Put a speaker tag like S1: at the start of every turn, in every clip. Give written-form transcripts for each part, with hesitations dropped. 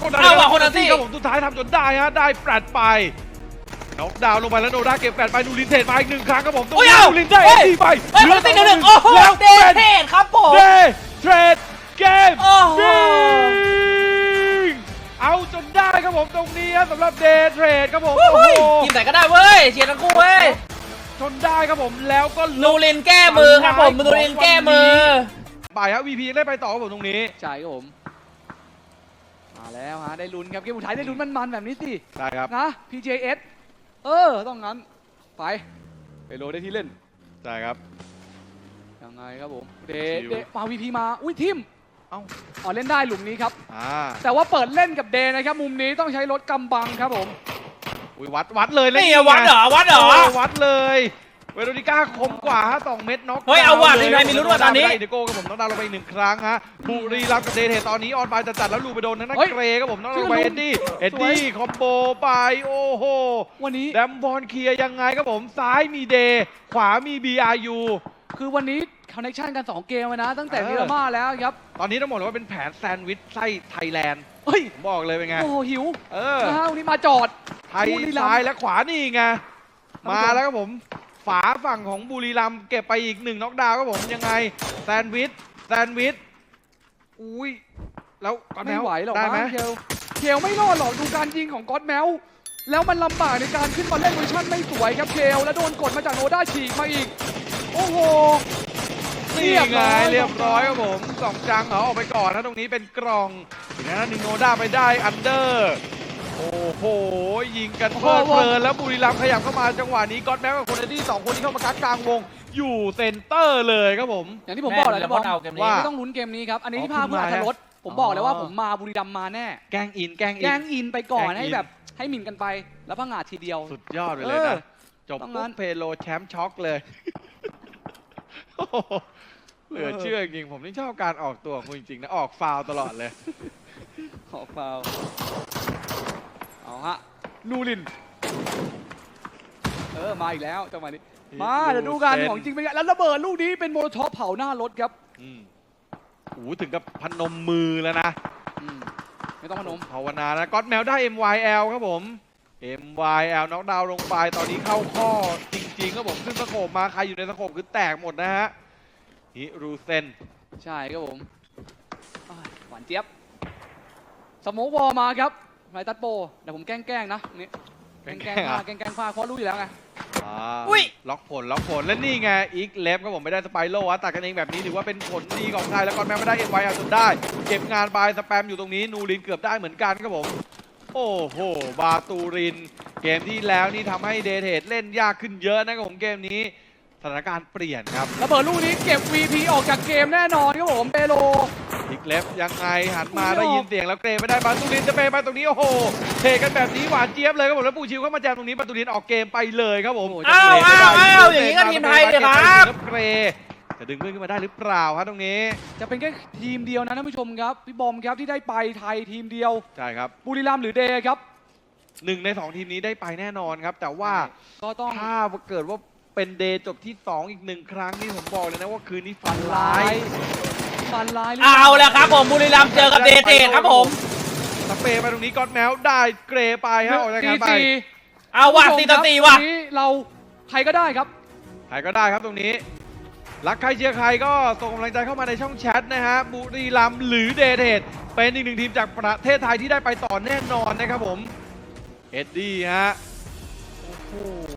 S1: เอาคนละที่
S2: ครับผมสุดท้ายทำจนได้ฮะได้แปดไปน็อกดาวน์ลงไปแล้วโนด้าเก็บแปดไปนูรินเทรดมาอีก1 ครั้งครับผมตรงนี้นูรินได้ดีไป
S1: คนละที่หนึ่งโอ้โหเดเทนครับผม
S2: เดเทรดเกม
S1: โอ้โห
S2: เอาจนได้ครับผมตรงนี้สำหรับเดย์เทรดครับผม
S1: โอ้โหทีมไหนก็ได้เว้ยเชียร์ทั้งคู่เว้ย
S2: จนได้ครับผมแล้วก็
S1: นูรินแก้มือครับผมนูรินแก้มือ
S2: ไปครับ VP ยังได้ไปต่อครับผมตรงนี้
S3: ใช่ครับผมมาแล้วฮะได้ลุ้นครับเกมสุดท้ายได้ลุ้นมันๆแบบนี้สิ
S2: ใช่ครับ
S3: นะ PJS ต้องงั้นไปโรได้ที่เล่น
S2: ใช่ครับ
S3: ยังไงครับผมเด
S2: ชิว
S3: มา VP มาอุ้ยทิม
S2: เอ้า
S3: อ๋อเล่นได้หลุมนี้ครับ
S2: แต่
S3: แต่ว่าเปิดเล่นกับเดนะครับมุมนี้ต้องใช้รถกำบังครับผม
S2: วัดเลย
S1: นี่วัดเหรอวัดเหรอ
S2: วัดเลยเวโรนิก้าคมกว่าฮะ2 เม็ดน็อก
S1: เฮ้ยเอาว่ะทีมไทยมีลุ้นว่ะตอนนี้
S2: เดโก้ครับผมน็อกดาวน์ลงไปอีก1 ครั้งฮะบุรีรัมย์กับเดย์เทตอนนี้ออนไปจัดแล้วลูไปโดนทางด้านเกรครับผมน็อกดาวน์ลงไปเอ็ดดี้คอมโบไปโอ้โห
S3: วันนี้
S2: แดมบอลเคลียร์ยังไงครับผมซ้ายมีเดย์ขวามี BRU
S3: คือวันนี้คอนเนคชั่นกัน2 เกมเลยนะ ตั้งแต่
S2: เออ
S3: มิรามาแล้วครับ
S2: ตอนนี้ต้องบอกเลยว่าเป็นแผนแซนด์วิชไส้ไทยแลนด์
S3: เฮ้ย
S2: ผมบอกเลยเป็นไง
S3: โอ้โหหิว
S2: เออ
S3: นะฮะวันนี้มาจอด
S2: ไทย
S3: บุรีรัมย์
S2: ซ้ายและขวานี่ไง
S3: ท่านผู้ชม
S2: มาแล้วครับผมฝาฝั่งของบุรีรัมย์เก็บไปอีก1 น็อกดาวน์ครับผมยังไงแซนด์วิชอุ้ยแล้วก่อน
S3: ไม่ไหวหรอก
S2: ได้ไหม
S3: มั้งเคลไม่รอดหรอกดูการยิงของก็อดแมวแล้วมันลำบากในการขึ้นมาเล่นเวอร์ชันไม่สวยครับเคลแล้วโดนกดมาจากโนด้าฉีกมาอีกโอ้โห
S2: นี่ไงเรียบร้อยครับผม2 จังเอาออกไปก่อนนะตรงนี้เป็นกล่องอีกนั้นนิโนด้าไปได้อันเดอร์โอ้โหยิงกันเพลินแล้วบุรีรัมย์ขยับเข้ามาจังหวะนี้ก็อดแมวกับคนที่2 คนที่เข้ามากักกลางวงอยู่เซนเตอร์เลยครับผม
S3: อย่างที่ผมบอกแหละนะบอล
S1: เอาเกมนี้
S2: ว่า
S3: ไม่ต้องลุ้นเกมนี้ครับอันนี้ที่
S2: อ๋อ
S3: ภาพเพื่ออั
S2: คุณมา
S3: ธรสผมบอกเลยว่าผมมาบุรีรัมย์มาแน่
S2: แกล้งอิน
S3: แกล้งอินไปก่อน
S2: แกล้งอิน
S3: ให้แบบให้หมิ่นกันไปแล้วพังงาดทีเดียว
S2: สุดยอดไปเลยนะ จบ
S3: ต้อง
S2: ปุ๊
S3: งั้
S2: บ
S3: น
S2: เพโลแชมป์ช็อกเลยโอ้โหเหลือเชื่อจริงๆผมนี่ชอบการออกตัวของคุณจริงๆนะออกฟาวล์ตลอดเลย
S3: ขอฟาวล์เอาฮะนูรินมาอีกแล้วจังหวะนี้มาเดี๋ยวดูกันของจริงเป็นไงแล้วระเบิดลูกนี้เป็นโมโลท็อปเผาหน้ารถครับ
S2: อืมโอ้โหถึงกับพนมมือแล้วนะ
S3: ไม่ต้องพนม
S2: ภาวนานะก็อดแมวได้ MYL ครับผม MYL น็อกดาวน์ลงไปตอนนี้เข้าข้อจริงๆครับผมขึ้นสโคปมาใครอยู่ในสโคปคือแตกหมดนะฮะฮิรูเซน
S3: ใช่ครับผมหวานเจี๊ยบสโมกบอลมาครับไรตัดโปเดี๋ยวผมแกล้งนะนี่แกล้งพลาดเพราะรู้อยู่แล้วไง
S1: อุ้ย
S2: ล็อกผลและนี่ไงอีกเล็บครับผมไม่ได้สไปโร่ตัดกันเองแบบนี้ถือว่าเป็นผลดีของไทยแล้วก็แม้ไม่ได้ MYL จนได้เก็บงานไปสแปมอยู่ตรงนี้นูรินเกือบได้เหมือนกันครับผมโอ้โหบาตูรินเกมที่แล้วนี่ทำให้เดเทดเล่นยากขึ้นเยอะนะครับผมเกมนี้สถานการณ์เปลี่ยนครับ
S3: ระเบิดลูกนี้เก็บ VP ออกจากเกมแน่นอนครับผมเปโล
S2: อีกเล็บยังไงหันมาได้ยินเสียงแล้วเกรไม่ได้บาตูรินจะเปไปตรงนี้โอ้โหเทกันแบบนี้หวานเจี๊ยบเลยครับผมแล้วปูชิวเข้ามาแจมตรงนี้บาตูรินออกเกมไปเลยครับผม
S1: อ้าวอย่างนี้ก็ทีมไทยเลยครับ
S2: เกรจะดึงเพื่อนขึ้นมาได้หรือเปล่าครับตรงนี้
S3: จะเป็นแค่ทีมเดียวนะท่านผู้ชมครับพี่บอมครับที่ได้ไปไทยทีมเดียว
S2: ใช่ครับ
S3: บุรีรัมย์หรือเดย์ครับ
S2: 1 ใน 2 ทีมนี้ได้ไปแน่นอนครับแต่ว่า
S3: ก็ต้อง
S2: ถ้าเกิดว่าเป็นเดย์จบที่ 2 อีก 1 ครั้งนี่ผมบอกเลยนะว่าคืนนี้ฟันร้าย
S3: ฟันลาย
S1: เอาแล้วครับผมบุรีรัมย์เจอกับเดเทนครับผม
S2: สเปย์ไปตรงนี้ก็อดแมวได้เกรไปฮะออกจากการไป
S1: เอาว่ะ4-4ว่ะ
S3: นี้เราใครก็ได้ครับ
S2: ใครก็ได้ครับตรงนี้รักใครเชียร์ใครก็ส่งกำลังใจเข้ามาในช่องแชทนะฮะบุรีรัมย์หรือเดเทดเป็นอีก 1 ทีมจากประเทศไทยที่ได้ไปต่อแน่นอนนะครับผมเอ็ดดี้ฮะโอ้โห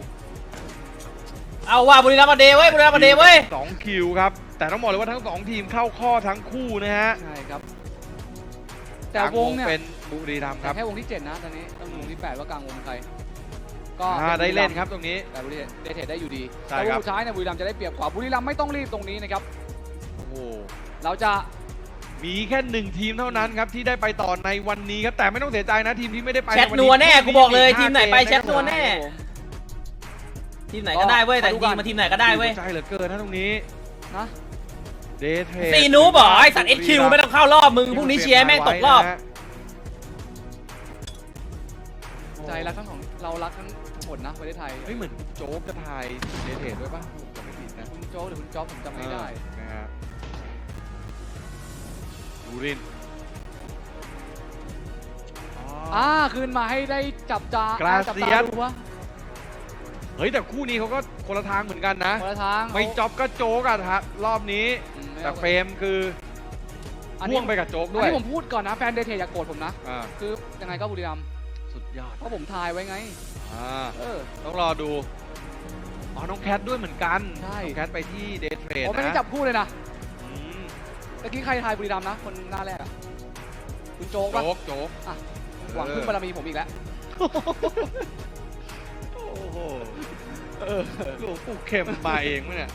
S1: เอาว่ะบุรีรัมย์มาเดย์เว้ยบุรีรัมย์มาเดย์เว้ย
S2: 2 คิวครับแต่ต้องบอกเลยว่าทั้ง 2 ทีมเข้าข้อทั้งคู่นะฮะ
S3: ใช่ครับแต่วงเนี่ย
S2: เป็นบุรีรัมย์ค
S3: แต่
S2: รับ
S3: แค่วงที่ 7 นะตอนนี้ต้องดูวงที่ 8 ว่ากลางวงเป็นใครก็
S2: ได้เล่นครับตรงนี้
S3: แต่บุรีเดเทได้อยู่ดี
S2: ใช่
S3: แต่
S2: ครับ
S3: วงสุดท้ายเนี่ยบุรีรัมย์จะได้เปรียบกว่าบุรีรัมย์ไม่ต้องรีบตรงนี้นะครับ
S2: โอ้โห
S3: เราจะ
S2: มีแค่ 1 ทีมเท่านั้นครับที่ได้ไปต่อในวันนี้ครับแต่ไม่ต้องเสียใจนะทีมที่ไม่ได้ไป
S1: แชท
S2: ใ
S1: นัวแน่กูบอกเลย
S2: มี
S1: ทีมไหนไปแชทนัว
S2: 5
S1: แน่
S3: ครับผม
S1: ทีมไหนก็ได้เว้ยแต่จริงมาทีมไหนก็ได้เว้ย
S2: ใจเหลือเกินนะตรงนี้
S3: นะ
S2: เดทเทรด
S1: ซีนูบอไอสัตว์ HQ ไม่ต้องเข้ารอบมึงพรุ่งนี้เชียร์แม่งตกรอบ
S3: ใจรักทั้งของเรารักทั้งหมดนะประเทศไทย
S2: เฮ้ยเหมือนโจ๊กจะถ่ายเดทเทรดด้วยป่ะผมจำไม่ผิดนะ
S3: คุณโจ๊กหรือคุณจ๊อบผมจำไม่ได้
S2: นะฮะบูริน
S3: คืนมาให้ได้จับตาก
S2: รา
S3: จับ
S2: เซี
S3: ตาย
S2: ส
S3: ดูวะ
S2: เฮ้ยแต่คู่นี้เขาก็คนละทางเหมือนกันนะ
S3: คนละทาง
S2: ไม่จ็อบก็โจ๊กอะฮะรอบนี้
S3: อืม
S2: แต่เฟรมคือ
S3: อันนี้
S2: พ่วงไปกับโจ๊ก
S3: อั
S2: ด้
S3: น
S2: วย
S3: นี้ผมพูดก่อนนะแฟนเดเทอย่าโกรธผมนะ
S2: อ่า
S3: คือยังไงก็บุรีรัมย์
S2: สุดยอด
S3: เพราะผมทายไว้ไง เออ
S2: ต้องรอดูอ๋อน้องแคทด้วยเหมือนกัน
S3: ใช่
S2: น้องแคทไปที่เดทเทรด
S3: ผมไม่ได้
S2: นะ
S3: จับคู่เลยนะ
S2: อืม
S3: ตะกี้ใครทายบุรีรัมย์นะ คนหน้าแรกอะคุณโจ๊กปะ
S2: โจ๊ก
S3: หวังพึ่งบารมีผมอีกแล้ว
S2: โอ้โหหลวงปู่เข็มมาเองมั้ยเนี่ย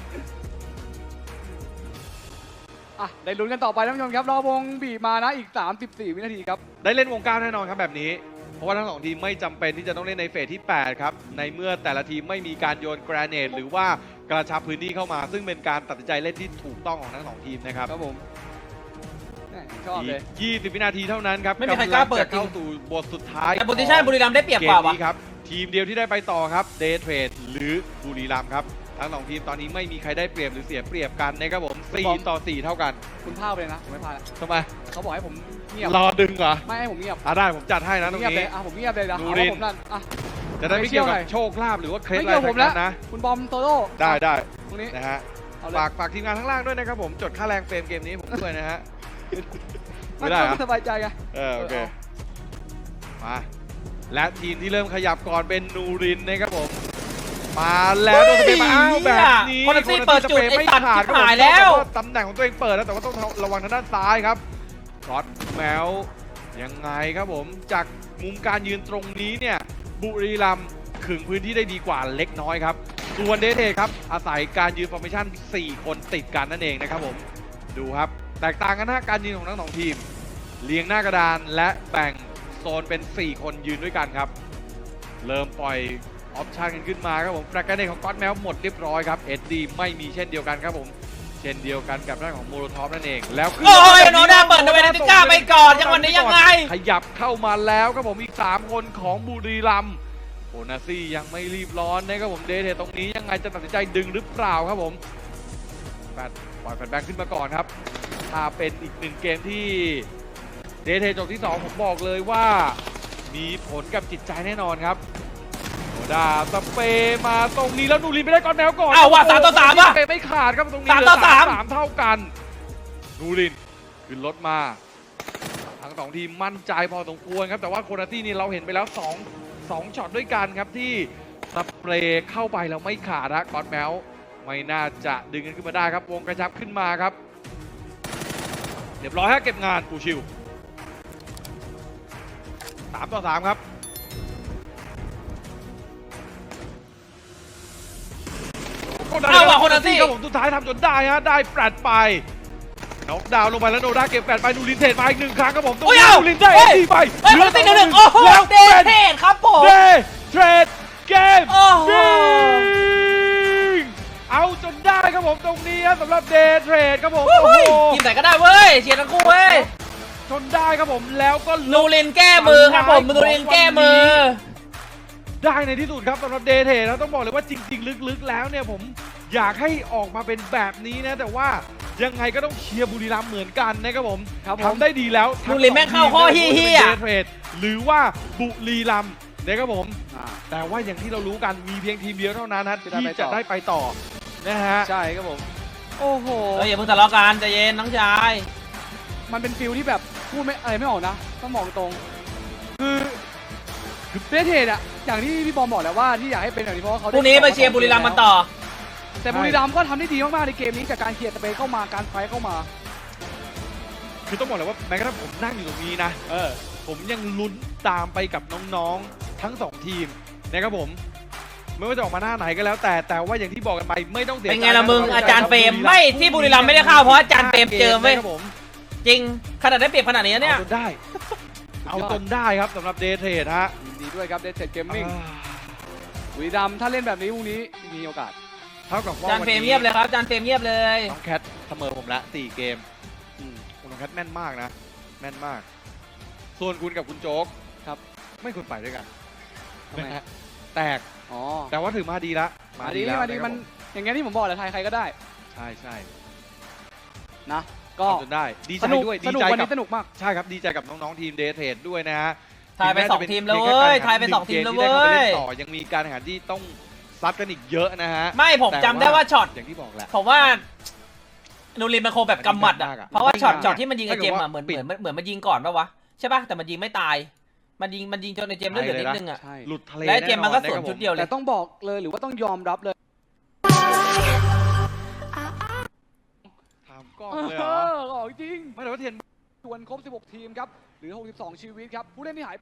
S3: ได้ลุ้นกันต่อไปท่านผู้ชมครับรอวงบีบมานะอีก 34 วินาทีครับ
S2: ได้เล่นวง9แน่นอนครับแบบนี้ เพราะว่าทั้งสองทีมไม่จำเป็นที่จะต้องเล่นในเฟสที่ 8 ครับ ในเมื่อแต่ละทีมไม่มีการโยนแกรเนตหรือว่ากระชับพื้นที่เข้ามา ซึ่งเป็นการตัดสินใจเล่นที่ถูกต้องของทั้งสองทีมนะครับ
S3: ครับผมแหม่ชอบเลย
S2: อีก20 วินาทีเท่านั้นครับ
S1: ไม่มีใครกล้าเปิด
S2: ำลังจะเข้าสู่บทสุดท้าย
S1: แต่โพซิชั่นบุรีรัมย์ได้เปรียบ
S2: เก
S1: กว่าม วะ
S2: นี้ครับทีมเดียวที่ได้ไปต่อครับเดย์เทรดหรือบุรีรัมย์ครับทั้งสองทีมตอนนี้ไม่มีใครได้เปรียบหรือเสียเปรียบกันนะครับผม4 ต่อ 4 เท่ากัน
S3: คุณพลาดไปเลยนะผมไม่พลาดแล้ว
S2: ทำไม
S3: เขาบอกให้ผมเงียบ
S2: รอดึงเหรอ
S3: ไม่ให้ผมเงียบ
S2: ได้ผมจัดให้นะตรง
S3: เงียบเล
S2: นี้
S3: ยผมเงียบเลยนะ
S2: ดู
S3: เอา
S2: ดิ
S3: ว่าผมนั่น
S2: จะได้ไม่เกี่ยว
S3: ไม่
S2: กับ
S3: เชี่ยวหน่อย
S2: โชคลาภหรือว่าเคล็ด
S3: ไม่
S2: อะไร
S3: เกี่ยวผมแล้ว
S2: ทั้งนั้นนะ
S3: คุณบอมโตโต้
S2: ได้
S3: ตรงนี้
S2: นะฮะ
S3: เอาเลย
S2: ฝากทีมงานข้างล่างด้วยนะครับผมจดค่าแรงเฟรมเกมนี้ผมด้วยนะฮะ
S3: มัน
S2: ไม่ได้
S3: ก็
S2: เหรอ
S3: สบายใจไง
S2: โอเคมาและทีมที่เริ่มขยับก่อนเป็นนูรินนะครับผมมาแล้วโดนสเปรย์มาอ้าวแบบนี้
S1: คนที่เปิดจุด
S2: ไม่
S1: ไอ้ตัด
S2: ขาดครับผม
S1: หายแล้ว
S2: ตำแหน่งของตัวเองเปิดแล้วแต่ว่าต้องระวังทางด้านซ้ายครับก็อดแมวยังไงครับผมจากมุมการยืนตรงนี้เนี่ยบุรีรัมย์ขึงพื้นที่ได้ดีกว่าเล็กน้อยครับส่วนเดทเทครับอาศัยการยืนฟอร์เมชั่น4 คนติดกันนั่นเองนะครับผมดูครับแตกต่างกันนะการยืนของทั้งสองทีมเรียงหน้ากระดานและแบ่งโซนเป็น4 คนยืนด้วยกันครับเริ่มปล่อยออปชั่นกันขึ้นมาครับผมแฟลกเกอร์เนตของก็อดแมวหมดเรียบร้อยครับเอ็ดดีไม่มีเช่นเดียวกันครับผมเช่นเดียวกันกับด้านของโมโลทอฟนั่นเองแล้วขึ้น
S1: โอ้ยโนด้าเปิดโนเวติก้าไปก่อนจังหวะนี้ยังไง
S2: ขยับเข้ามาแล้วครับผมอีก3 คนของบุรีรัมย์โอนาซี่ยังไม่รีบร้อนนะครับผมเดทเทตรงนี้ยังไงจะตัดสินใจดึงหรือเปล่าครับผมแฟดปล่อยแฟดแบงขึ้นมาก่อนครับถ้าเป็นอีก1 เกมที่เดทเทจบที่ 2ผมบอกเลยว่ามีผลกับจิตใจแน่นอนครับโนด้าสเปย์มาตรงนี้แล้วนูรินไปได้ก้อนแมวก่อน
S1: อ้าวว่ะ3 ต่อ 3 ว่ะ
S2: สเปย์ไม่ขาดครับตรงนี้
S1: 3 ต่อ
S2: 3 เท่ากันนูรินขึ้นรถมาทั้ง2 ทีมมั่นใจพอสมควรครับแต่ว่าโคนาตี้นี่เราเห็นไปแล้ว2ช็อตด้วยกันครับที่สเปรย์เข้าไปแล้วไม่ขาดฮะก้อนแมวไม่น่าจะดึงกันขึ้นมาได้ครับวงกระชับขึ้นมาครับเรียบร้อยฮะเก็บงานปูชิว3 ต่อ 3ครับ
S1: เอาว่ะโคนาตี้
S2: ครับผมสุดท้ายทำจนได้ฮะได้แปดไปน็อกดาวน์ลงไปแล้วโนด้าเก็บแปดไปนูรินเทรดมาอีก1 ครั้งครับผมตรง
S1: โอ้ย
S2: นี้
S1: เอา
S2: นูรินได้
S1: เฮ้ย
S2: ดีไป
S1: เฮ้ยคนที่1 โอ้โห
S2: แล้ว
S1: เด
S2: เป็น
S1: เทศครับผม
S2: เดเทรดเกม
S1: โอ้โห
S2: เอาจนได้ครับผมตรงนี้ฮะสำหรับเดเทรดครับผม
S1: โอ้
S2: โอ้
S1: โห
S2: โห
S1: ทีมไหนก็ได้เว้ยเชียร์ทั้งคู่เว้ย
S2: จนได้ครับผมแล้วก็
S1: นูรินแก้มือครับผมนูรินแก้มือ
S2: ได้ในที่สุดครับสำหรับเดเทแล้วต้องบอกเลยว่าจริงๆลึกๆแล้วเนี่ยผมอยากให้ออกมาเป็นแบบนี้นะแต่ว่ายังไงก็ต้องเชียร์บุรีรัมย์เหมือนกันนะครับผม
S3: ครับผม
S2: ทำได้ดีแล้ว
S1: บุรีแม่งเข้าข้อเหี้ยๆ
S2: เดเทหรือว่าบุรีรัมย์นะครับผมแต่ว่าอย่างที่เรารู้กันมีเพียงทีมเดียวเท่านั้นนะที่จะได้ไปต่อนะฮะ
S3: ใช่ครับผม โอ้โห
S1: เฮ้ยอย่าเพิ่งทะเลาะกันใจเย็นน้องชาย
S3: มันเป็นฟิลที่แบบพูดไม่อะไรไม่ออกนะต้องมองตรงคือเดทเทดอะอย่างที่พี่บอมบอกแล้วว่าที่อยากให้เป็นแบบนี้เพราะว่าเขา
S1: พรุ่งนี้ไปเชียร์บุรีรัมย์มันต่อ
S3: แต่บุรีรัมย์ก็ทำได้ดีมากๆในเกมนี้จากการเคลียร์สเปซเข้ามาการไฟท์เข้ามา
S2: คือต้องบอกเลยว่าแม้กระทั่งผมนั่งอยู่ตรงนี้นะผมยังลุ้นตามไปกับน้องๆทั้ง2 ทีมนะครับผมไม่ว่าจะออกมาหน้าไหนก็แล้วแต่ว่าอย่างที่บอกกันไปไม่ต้องเสีย
S1: เป็นไงล่ะมึงอาจารย์เฟรมไม่ที่บุรีรัมย์ไม่ได้เข้าเพราะอาจารย์เฟรมเจอเว้ย
S2: ครับผม
S1: จริงขนาดได้เปรียบขนาดนี้เนี่ย
S2: เอาจนได้ เอาจนได้ครับสำหรับเดทเทรดฮะ
S3: ยินดีด้วยครับเดทเทดเกมมิ่งบุรีรัมย์ถ้าเล่นแบบนี้พรุ่งนี้มีโอกาส
S2: เท่ากับ
S1: อา
S2: ว่า
S1: จารย์เฟรมเงียบเลยครับอาจารย์เฟรมเงียบเลย
S2: น้องแคทเสมอผมละ4 เกมน้องแคทแม่นมากนะแม่นมาก ส่วนคุณกับคุณโจ๊ก
S3: ครับ
S2: ไม่ควรไปด้วยกัน
S3: ทำไม
S2: นะฮะแตก
S3: อ๋อ
S2: แต่ว่าถือมาดีละ
S3: มาดี
S2: แล้ว
S3: มาดี
S2: ะครับ
S3: มันอย่างเงี้ยที่ผมบอกแหละไทยใครก็ได้
S2: ใช่ใช่
S3: นะ ก็
S2: ทำจนได้ดีใจ
S3: สนุก
S2: ด้วย
S3: สนุก
S2: ใจ
S3: วัน
S2: กั
S3: นี้สนุกมาก
S2: ใช่ครับดีใจกับน้องๆทีมเดทเทรดด้วยนะฮะ
S1: ทายไปสองทีมแล้วเว้ยทายไปสองทีมแล้วเว้ย
S2: ต่อยังมีการแข่งขันที่ต้องซัดกันอีกเยอะนะฮะ
S1: ไม่ผมจำได้ว่าช็อต
S2: อย่างที่บอกแหละ
S1: ผมว่านูรินมันคงแบบกำหมัดอ่ะ
S2: มันยากอะ
S1: เพราะว่าช็อต
S2: มันยาก
S1: ช็อตที่มันยิงไอเจมส์อ่ะ
S2: ถ้า
S1: เห
S2: เกิ
S1: มือน
S2: ดว่า
S1: เหมือนมันยิงก่อนปะวะใช่ปะแต่มันยิงไม่ตายมันยิงจนไอเจมส์เลือดเหลือนิดนึงอ่ะ
S3: ใช่
S2: หลุดทะเล
S1: และไอเจมส์มันก็
S2: แอ
S1: สวนชุดเดียวเล
S3: แต่
S1: ย
S3: ต้องบอกเลยหรือว่าต้องยอมรับเลย
S2: ถามกล้องเลยเหรอ
S3: ของจริง
S2: ไม่แต่ว่าเทียน
S3: ส่วนครบ 16 ทีมครับ หรือ 62 ชีวิตครับ ผู้เล่นที่หาย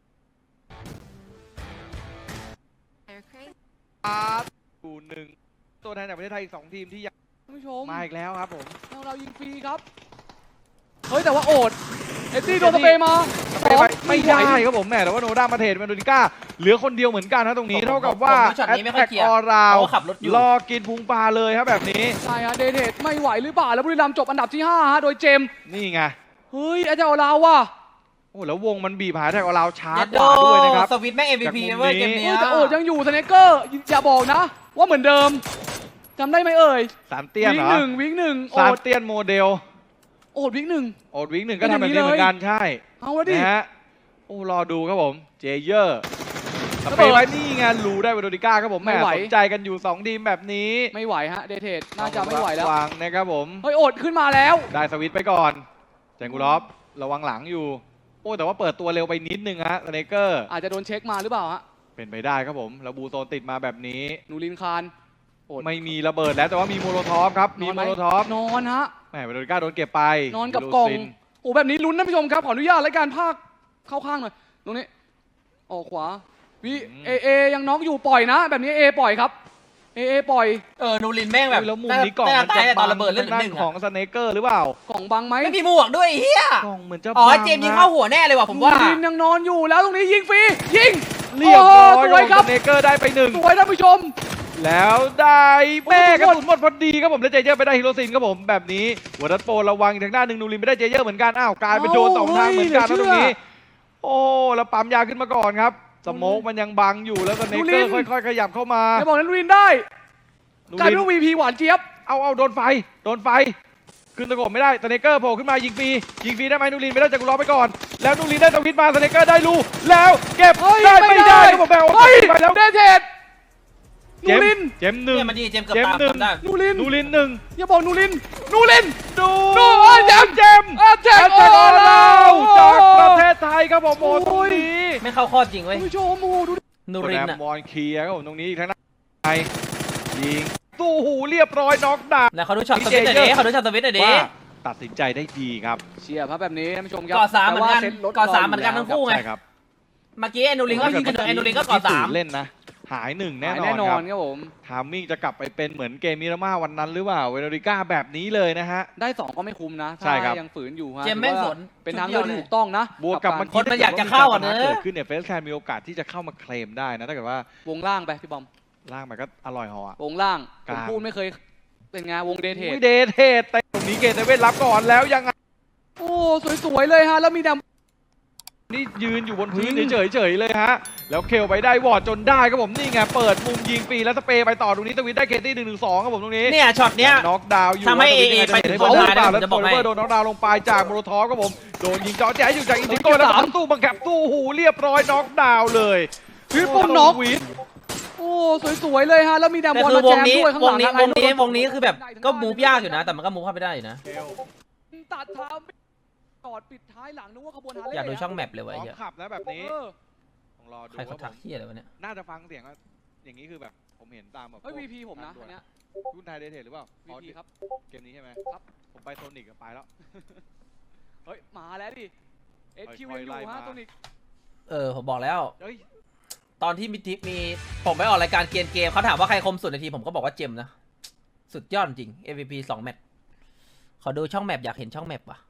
S2: อยู่หนึ่งตัวแทนจากประเทศไทยอีก2ทีมที่ยัง
S3: ท่านผู้ชม
S2: มาอีกแล้วครับผม
S3: เรายิงฟรีครับ เฮ้ย แต่ว่าโอดเอ็ดดี้โดนสเปรย์มา
S2: ไม่ได้ครับผมแหมแต่ว่าโนด้ามาเทรดเมนโดนิก้าเหลือคนเดียวเหมือนกันนะตรงนี้
S1: ผม
S2: เท่ากับว่า
S1: ผมดูช็อตนี้ไม่ค่อยเคลียร์
S2: ออราว
S1: เพราะว่าขับรถอยู่
S2: รอกินพุงปลาเลยครับแบบนี้
S3: ใช่ฮะเดเทดไม่ไหวหรือเปล่า แล้วบุรีรัมย์จบอันดับที่ 5 ฮะ โดยเจมส์
S2: นี่ไง
S3: เฮ้ยอาจารย์ลาวว่ะ
S2: โอ้แล้ววงมันบีบหาแท็กออราวช้า
S1: เย็ด
S2: ก
S1: โด
S2: ว่าด้วยนะครับ
S1: สวิตช์แม่ง MVP
S2: จากมุม
S1: เว้ย
S2: นี้
S1: เกม
S3: เฮ้
S1: เนี้
S3: ย
S1: ย
S3: แต่โอดยังอยู่สเนคเกอร์อย่าบอกนะ ว่าเหมือนเดิมจำได้ไหมเอ่ย
S2: สามเตี้ยน
S3: วิ่
S2: เห
S3: ง
S2: รอ
S3: วิ่งหนึ่งโอ
S2: สาม
S3: ด
S2: เตี้ยนโมเดล
S3: โอดวิ่งหนึ่ง
S2: โอดวิ่งหนึ่งก็ทำแบบนี้เหมือนกันใช่
S3: เอาละดิ
S2: นะฮะโอ้รอดูครับผมเจเยอร์ส
S3: ระ
S2: เป
S3: เบิด
S2: ย์ไว้นี่ไงรูได้เวโรดิก้าครับผมแห
S3: ไม่
S2: ม่
S3: ไหว
S2: สนใจกันอยู่2ทีมแบบนี้
S3: ไม่ไหวฮะเดเทดน่าจะไม่ไหวแล้ว
S2: ระวังนะครับผม
S3: เฮ้ยโอดขึ้นมาแล้ว
S2: ได้สวิตช์ไปก่อนแจงกูลอฟระวังหลังอยู่โอ้แต่ว่าเปิดตัวเร็วไปนิดนึงฮะสเนเกอร์
S3: อาจจะโดนเช็คมาหรือเปล่าฮะ
S2: เป็นไปได้ครับผมแล้วบูโซนติดมาแบบนี้
S3: นูรินคานโอด
S2: ไม่มีระเบิดแล้วแต่ว่ามีโมโลทอฟครับมี
S3: นอน
S2: โม
S3: ไหม
S2: โลทอฟ
S3: นอนฮะ
S2: แหมเวโรดิก้าโดนเก็บไป
S3: นอนกับกล่อง
S2: ลูซิน
S3: โอ้แบบนี้ลุ้นนะผู้ชมครับ ขออนุญาตรายการภาคเข้าข้างหน่อย ตรงนี้ ออกขวาวิเอยังน้องอยู่ปล่อยนะ แบบนี้เอปล่อยครับ เอปล่อย
S1: นูรินแม่งแบบ
S2: แล้วมุมนี้กล่องมัน
S1: ตา
S2: จะ
S1: ยต
S2: บั
S1: อนระเบิดเลือดเหลือ
S2: ด้า
S1: ห
S2: น
S1: นึ่ง
S2: ของสเนเกอร์หรือเปล่าก
S3: ล่องบังไหม
S1: ไม่มีหมวกด้วยไอ้เฮีย
S2: กล่องเหมือนจะ
S1: อ๋อ
S2: บัง
S1: เจมส์ยิง
S2: นะ
S1: เข้าหัวแน่เลยว่ะผมว่า
S3: นูรินยังนอนอยู่แล้วตรงนี้ยิงฟรี ยิง
S2: เรียบร้อย
S3: โอ้สวยครับ
S2: สเนเกอร์ได้ไปหนึ่ง
S3: สวยท่านผู้ชม
S2: แล้วได้แม่
S3: โอ้
S2: ก
S3: โห
S2: ระสุนหมดพอดีครับผมแล้วเจเยอร์ไปได้ฮิโรซินครับผมแบบนี้หัวรัดโปรระวังอีกทางด้านหนึ่งนูรินไม่ได้เจเยอร์เหมือนกันอ้าวกลายเป็นโดนสองทางเหมือนกันนะตรงนี้ โอ้แล้วปั๊มยาขึ้นมาก่อนครับสโมกมันยังบังอยู่แล้วสเนเกอร์ค่อยๆขยับเข้ามา
S3: จะบอกนั้นนูรินได้
S2: นู
S3: กลาย
S2: ริ
S3: เป็น นวีพีหวานเจี๊ยบ
S2: เอาโดนไฟขึ้นตะโกนไม่ได้สเนเกอร์โผล่ขึ้นมายิงฟรีได้ไหมนูรินไม่ได้จากกูรอไปก่อนแล้วนูรินได้ตวิดมาสเนเกอร์ได้ลูแล้วเก็บ
S3: เฮ้ย
S2: ได้
S3: ไม่
S2: ไม่
S3: ได้
S2: ได้ครับผมแบล
S3: เฮ้ย
S2: ไปแล้ว
S3: เดเทดนูริน
S2: เจมส์หนึ่ง
S1: เนี่ยมันยิงเจมส์เกือบ
S2: เจม
S1: ตาม
S2: ส์หนึ่ง
S1: จำได้
S3: นูริน
S2: นูรินหนึ่ง
S3: อย่าบอกนูริน นูริน
S2: ดู
S3: ดูเอ้ยเจมส์
S2: เจมส์
S3: เจมส์
S2: แอตแทกออนเรา
S3: โอ้โห
S2: จากประเทศไทยครับผมโอ้ตรงนี้
S1: ไม่เข้าข้อจริงเว้ย
S3: ท่านผู้ชมโอ้โหดูดิ
S1: นูริน
S2: แร
S1: อ่ะ
S2: มมอนเคลียร์ครับผมตรงนี้อีกทางด้านไทยยิงตู้หูเรียบร้อยน็อกดาวน์
S1: แล้วเขาดูช็อตสวิตช์หน่อยดิเขาดูช็อตสวิตช์หน่อยดิ
S2: ว่าตัดสินใจได้ดีครับ
S3: เชียร์ครับแบบนี้ท่านผู้ชมครับ
S1: ก่อสามเหมือนกัน
S3: แต่ว่าซ็ตรถ
S1: ก่อสามเหมือนกันทั้งคู่ ไง
S2: ใช่ครับ
S1: เมื่อกี้ไอ้นูรินก็ยิงกันไอ้นูรินก็ก่อสาม
S2: เล่นนะหายหนึ่งแน่
S3: หาย
S2: นอ
S3: แน่
S2: น
S3: นอ
S2: ครั
S3: น
S2: บ
S3: ครับผม
S2: ทามมิ่งจะกลับไปเป็นเหมือนเกมมิรามาวันนั้นหรือเปล่าเวโรดิก้าแบบนี้เลยนะฮะ
S3: ได้2ก็ไม่คุ้มนะ
S2: ใช่ครับ
S3: ถ้ายังฝืนอยู่ฮะ
S1: เจมส์แม่ง
S3: ถือ
S1: ส
S3: ว่าน เป็นทางเลือกที่ถูกต้องนะ
S2: บวกกับเมื่อ
S1: ค
S2: กี้
S1: นมันอยากจะเข้าอ่ะเนอะ
S2: เกิดขึ้นเนี่ยเฟสแคนมีโอกาสที่จะเข้ามาเคลมได้นะถ้าเกิดว่าว
S3: งล่างไปพี่บอม
S2: ล่างมันก็อร่อยหออะ
S3: วงล่างผ
S2: กลาง
S3: มพูดไม่เคยเป็นไงวงเดทเทด
S2: อุ้ยเดทเทสแต่ตรงนี้เกตเว่นรับก่อนแล้วยังไง
S3: โอ้สวยๆเลยฮะแล้วมีด
S2: นี่ยืนอยู่บนพื้น
S3: จริง
S2: เฉยๆเลยฮะแล้วเคลไปได้วอร์ดจนได้ครับผมนี่ไงเปิดมุมยิงฟรีแล้วสเปย์ไปต่อตรงนี้ตวินได้เคตี้1-1-2ครับผมตรงนี้
S1: เนี่ยช็อตเนี้ย
S2: น็อกดาวน์อยู่
S1: ทำให้
S2: ว่าตวิน
S1: AA ไปถึง
S2: จะเห็น
S1: คนท้าย
S2: หรือเปล่าแล้ว
S1: นะผมจะ
S2: โอบ
S1: อกให้
S2: ลิเวอร์โดนน็อกดาวน์ลงไปจากโมโลทอฟครับผมโดนยิงเจ่อแจ๊อยู่จากอินดิโก้แล้วก็ตู้บังคับตู้หูเรียบร้อยน็อกดาวน์เลย
S3: ทริปเปิลน็อก
S2: วิท
S3: โอ้สวยๆเลยฮะแล้วมีดำ
S1: แต่
S3: บอล
S1: คือ
S3: มาว แจ
S1: ง
S3: ม
S1: นี้
S3: ด้วยข้าง
S1: ว
S3: หลั
S1: ง
S3: ง
S1: นี้
S3: ฮะ
S1: วงนี้คือแบบก็มูฟยากอยู่นะ แต่มันก็มูฟเข้าไปได้อยู่นะ
S3: ตัดเท้ากอดปิดท้ายหลังนึกว่าขบวนหาเล่
S1: อยากดูช่องแมปเลย
S2: พ
S1: วะ
S2: ร้
S1: ไอ้
S2: อม
S1: เหี้ย
S2: ขับแล้วแบบนี้
S3: เออ
S2: ต้องรอดู
S1: ใครเขา
S2: ว่า
S1: ทักเหี้ยอะไรวะเนี่ย
S2: น่าจะฟังเสียงว่าอย่างนี้คือแบบผมเห็นตามแบบ
S3: เฮ้ย VP ผมนะอันเนี้ย
S2: รุ่นไทยเดทเทหรือเปล่า
S3: VP ครับ
S2: เกมนี้ใช่ไหม
S3: ครับ
S2: ผมไปโซนิกไปแล้ว
S3: เฮ้ยมาแล้วดิ SQ
S2: ค่อยๆ
S3: ยังอ
S2: ไล่
S3: ยู่ฮะ
S2: มา
S3: ตัวนี้
S1: ผมบอกแล้ว
S2: เฮ้ย
S1: ตอนที่มีทิปมีผมไปออกรายการเกียนเกมเขาถามว่าใครคมสุดในทีมผมก็บอกว่าเจมส์นะ สุดยอดจริง MVP 2 แมตช์ขอดูช่องแมปอยากเห็นช่องแมปว่ะ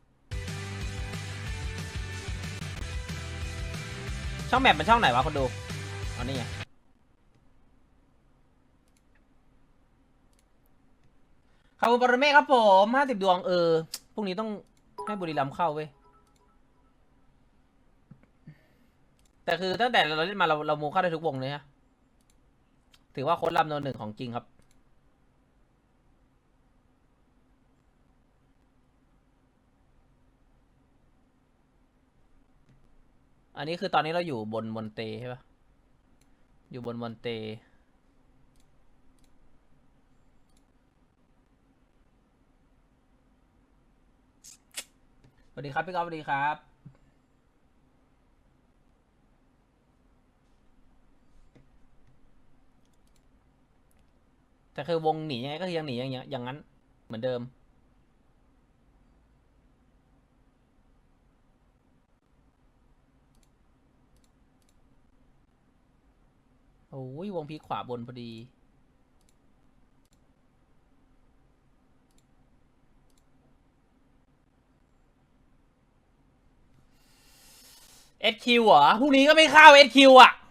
S1: ช่องแมปมันช่องไหนวะคนดูเอานี่ไงขอบคุณปรเมฆครับผม50 ดวงพรุ่งนี้ต้องให้บุรีรัมย์เข้าเว้ย แต่คือตั้งแต่เราเล่นมาเรามูเข้าได้ทุกวงเลยฮะถือว่าโค้ดลำโนหนึ่งของจริงครับอันนี้คือตอนนี้เราอยู่บนมอนเตใช่ปะอยู่บนมอนเตสวัสดีครับพี่ก๊อฟสวัสดีครับแต่คือวงหนียังไงก็ยังหนีอย่างนั้นเหมือนเดิมโอ้ยวงพีขวาบนพอดีSQ เหรอพรุ่งนี้ก็ไม่เข้า SQ อ่ะ